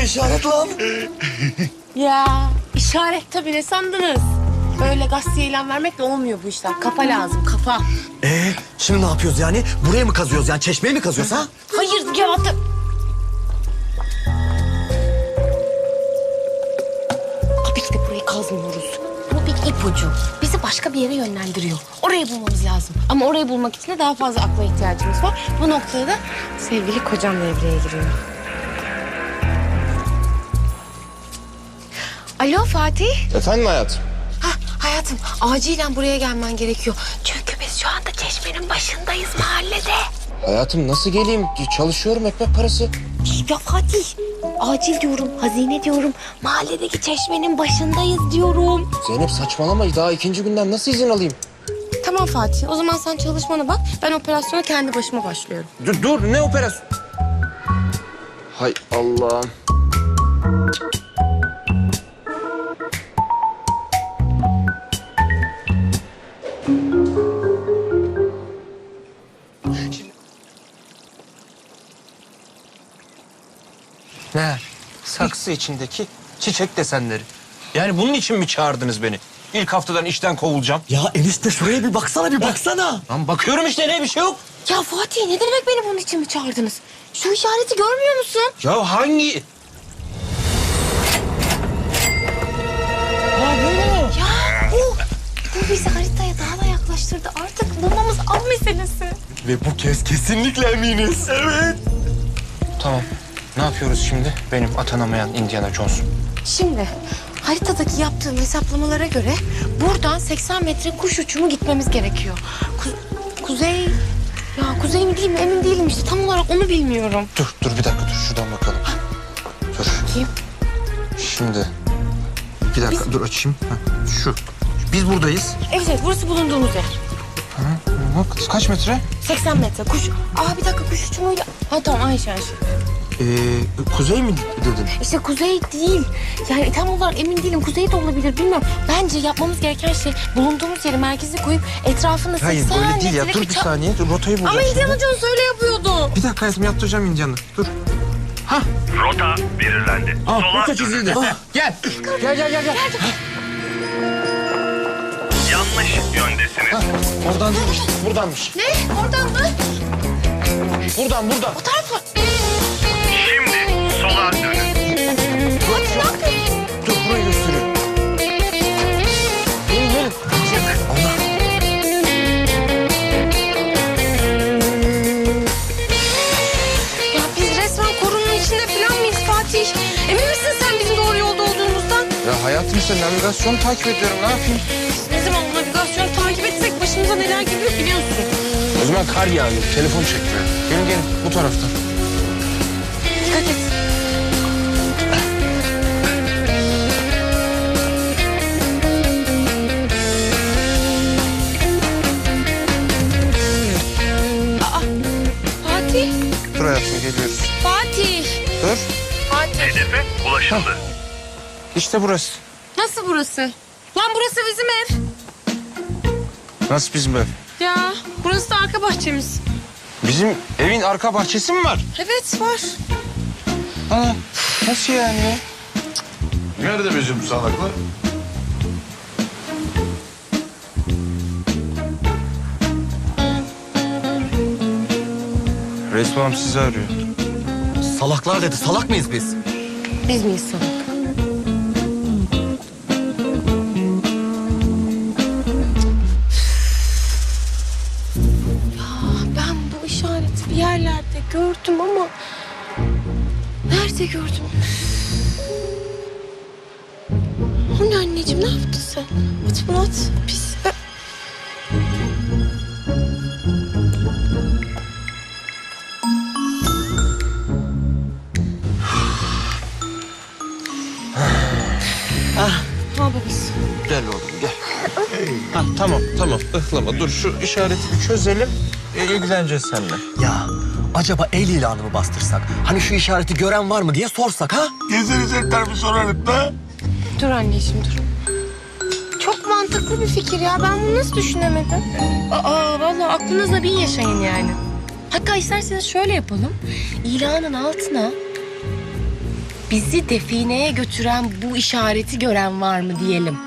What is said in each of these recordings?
işaret lan. Ya işaret tabii, ne sandınız? Böyle gazeteye ilan vermekle olmuyor bu işler. Kafa lazım, kafa. Şimdi ne yapıyoruz yani? Buraya mı kazıyoruz yani? Çeşmeyi mi kazıyoruz ha? Hayır ya. Tabii ki de burayı kazmıyoruz. Bu bir ipucu. Bizi başka bir yere yönlendiriyor. Orayı bulmamız lazım. Ama orayı bulmak için de daha fazla akla ihtiyacımız var. Bu noktada da sevgili kocam devreye giriyor. Alo Fatih. Efendim hayatım? Hayatım, acilen buraya gelmen gerekiyor. Çünkü biz şu anda çeşmenin başındayız mahallede. Hayatım nasıl geleyim? Çalışıyorum, ekmek parası. Ya Fatih, acil diyorum, hazine diyorum. Mahalledeki çeşmenin başındayız diyorum. Zeynep saçmalama, daha ikinci günden nasıl izin alayım? Tamam Fatih, o zaman sen çalışmana bak. Ben operasyona kendi başıma başlıyorum. Dur ne operasyon? Hay Allah'ım. Ne? Saksı içindeki çiçek desenleri. Yani bunun için mi çağırdınız beni? İlk haftadan işten kovulacağım. Ya enişte şuraya bir baksana, bir baksana. Lan bakıyorum işte, ne bir şey yok. Ya Fatih, ne demek beni bunun için mi çağırdınız? Şu işareti görmüyor musun? Ya hangi? Ha bu mu? Ya bu bizi haritaya daha da yaklaştırdı. Artık bulmamız an meselesi. Ve bu kez kesinlikle eminiz. Evet. Tamam. Ne yapıyoruz şimdi? Benim atanamayan Indiana Jones. Şimdi haritadaki yaptığım hesaplamalara göre buradan 80 metre kuş uçumu gitmemiz gerekiyor. Kuzey... Ya kuzey mi değil mi emin değilim işte. Tam olarak onu bilmiyorum. Dur bir dakika, dur şuradan bakalım. Dur. Bakayım. Şimdi. Bir dakika dur açayım. Şu. Biz buradayız. Evet burası bulunduğumuz yer. Bak kaç metre? 80 metre kuş... bir dakika kuş uçumuyla... Tamam aynı şey. Kuzey mi dedin? İşte kuzey değil. Yani tam olarak emin değilim. Kuzey de olabilir bilmiyorum. Bence yapmamız gereken şey bulunduğumuz yeri merkeze koyup etrafında 80 Hayır böyle değil ya. metrelik Dur bir saniye. Dur rotayı bulacağım. Ama şimdi. Indiana Jones öyle yapıyordu. Bir dakika hayatım, yaptıracağım Indiana'ı. Dur. Rota belirlendi. Sola Rota çizildi. Gel. Gel. yanlış yöndesiniz. Oradan değilmiş. Buradanmış. Ne? Oradan mı? Buradan. O tarafa. Şimdi sola dönün. Hadi ne yapıyorsun? Dur burayı gösteriyorum. Gelin. Allah. Ya biz resmen korunun içinde falan mıyız Fatih? Emin misin sen bizim doğru yolda olduğumuzdan? Ya hayatım işte navigasyonu takip ediyorum. Ne yapayım? Biz ne zaman navigasyonu takip etsek başımıza neler geliyor biliyorsun. O zaman kar yağıyor. Telefon çekmiyor. Gelin bu taraftan. Dikkat et. Fatih. Dur hayatım geliyoruz. Fatih. Dur. Fatih. Hedefe ulaşıldı. İşte burası. Nasıl burası? Lan burası bizim ev. Nasıl bizim ev? Ya burası da arka bahçemiz. Bizim evin arka bahçesi mi var? Evet var. Aa, nasıl yani ya? Nerede bizim salaklar? Resmam sizi arıyor. Salaklar dedi. Salak mıyız biz? Biz miyiz salak? Ben bu işareti bir yerlerde gördüm ama... Nerede gördüm? O ne anneciğim, ne yaptın sen? At bunu at. Pis. Ne yapıyoruz? Gel oğlum gel. Ha, tamam ıhlama. Dur şu işareti bir çözelim. İlgileneceğiz seninle. Ya acaba el ilanı mı bastırsak? Hani şu işareti gören var mı diye sorsak ha? Gezilecekler bir sorarım da. Dur anneciğim dur. Çok mantıklı bir fikir ya. Ben bunu nasıl düşünemedim? Vallahi aklınızda bin yaşayın yani. Hatta isterseniz şöyle yapalım. İlanın altına bizi defineye götüren bu işareti gören var mı diyelim.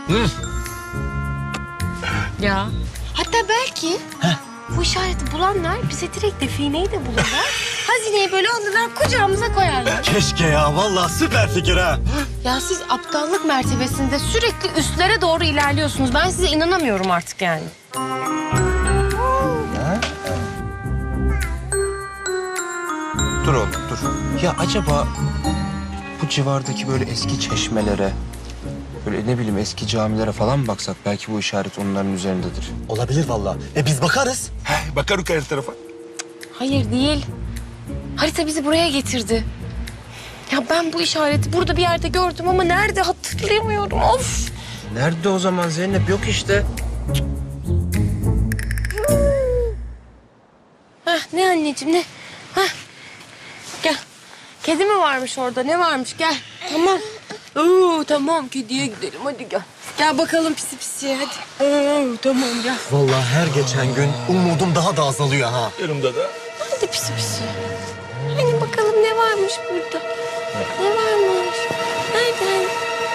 Ya. Hatta belki bu işareti bulanlar bize direkt defineyi de bulurlar. Hazineyi böyle alırlar kucağımıza koyarlar. Keşke ya, vallahi süper fikir ha. Ya siz aptallık mertebesinde sürekli üstlere doğru ilerliyorsunuz. Ben size inanamıyorum artık yani. Dur oğlum dur. Ya acaba bu civardaki böyle eski çeşmelere, böyle ne bileyim eski camilere falan mı baksak? Belki bu işaret onların üzerindedir. Olabilir vallahi. Biz bakarız. Bakarım her tarafa. Hayır değil. Harita bizi buraya getirdi. Ya ben bu işareti burada bir yerde gördüm ama nerede hatırlayamıyorum. Of! Nerede o zaman Zeynep? Yok işte. Heh, ne anneciğim ne? Heh. Gel. Kedi mi varmış orada? Ne varmış? Gel. Tamam. Oo, tamam kediye gidelim hadi gel. Gel bakalım pisi pisi hadi. Oo, tamam gel. Vallahi her geçen gün umudum daha da azalıyor ha. Yanımda da. Hadi pisi pisi. Hani bakalım ne varmış burada? Ne varmış? Nerede?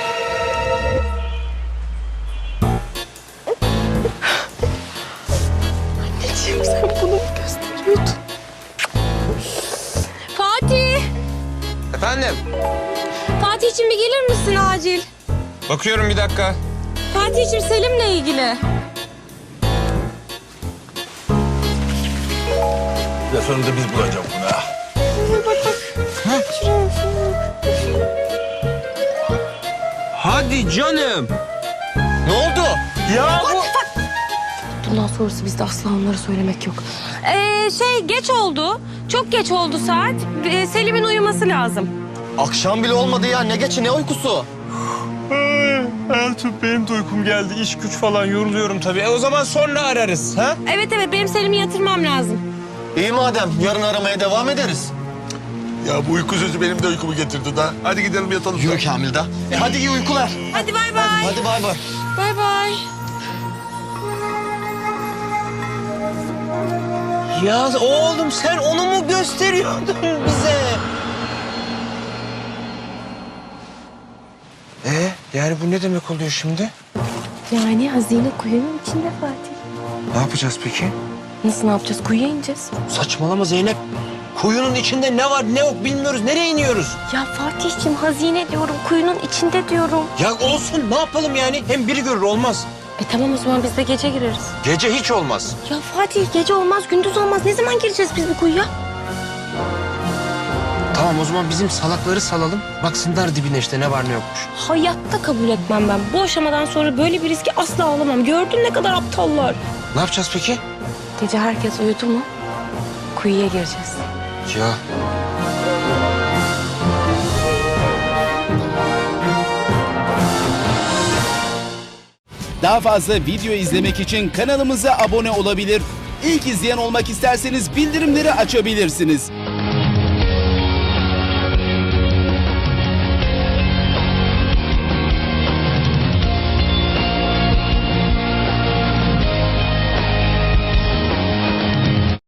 Anneciğim sen bunu mu gösteriyordun? Fatih! Efendim? Fatih'cim bir gelir misin acil? Bakıyorum bir dakika. Fatih'cim Selim'le ilgili. Ya sonunda biz bulacağız bunu ha. Hadi canım. Ne oldu? Ya bu... Bundan sonrası bizde asla onlara söylemek yok. Geç oldu. Çok geç oldu saat. Selim'in uyuması lazım. Akşam bile olmadı ya. Ne geçi ne uykusu? Hayatım benim de uykum geldi. İş güç falan yoruluyorum tabii. O zaman sonra ararız. Ha? Evet benim Selim'i yatırmam lazım. İyi madem. Yarın aramaya devam ederiz. Ya bu uyku sözü benim de uykumu getirdi da. Hadi gidelim yatalım. Yürü Kamil da. Hadi iyi uykular. Hadi bay bay. Hadi bay bay. Bay bay. Ya oğlum sen onu mu gösteriyordun bize? Yani bu ne demek oluyor şimdi? Yani hazine kuyunun içinde Fatih. Ne yapacağız peki? Nasıl ne yapacağız? Kuyuya ineceğiz. Saçmalama Zeynep. Kuyunun içinde ne var ne yok bilmiyoruz. Nereye iniyoruz? Ya Fatih'cim hazine diyorum. Kuyunun içinde diyorum. Ya olsun ne yapalım yani? Hem biri görür olmaz. Tamam o zaman biz de gece gireriz. Gece hiç olmaz. Ya Fatih gece olmaz, gündüz olmaz. Ne zaman gireceğiz biz bu kuyuya? Tamam o zaman bizim salakları salalım. Baksınlar dibine işte ne var ne yokmuş. Hayatta kabul etmem ben. Bu aşamadan sonra böyle bir riski asla alamam. Gördün ne kadar aptallar. Ne yapacağız peki? Gece herkes uyudu mu? Kuyuya gireceğiz. Ya Daha fazla video izlemek için kanalımıza abone olabilir. İlk izleyen olmak isterseniz bildirimleri açabilirsiniz.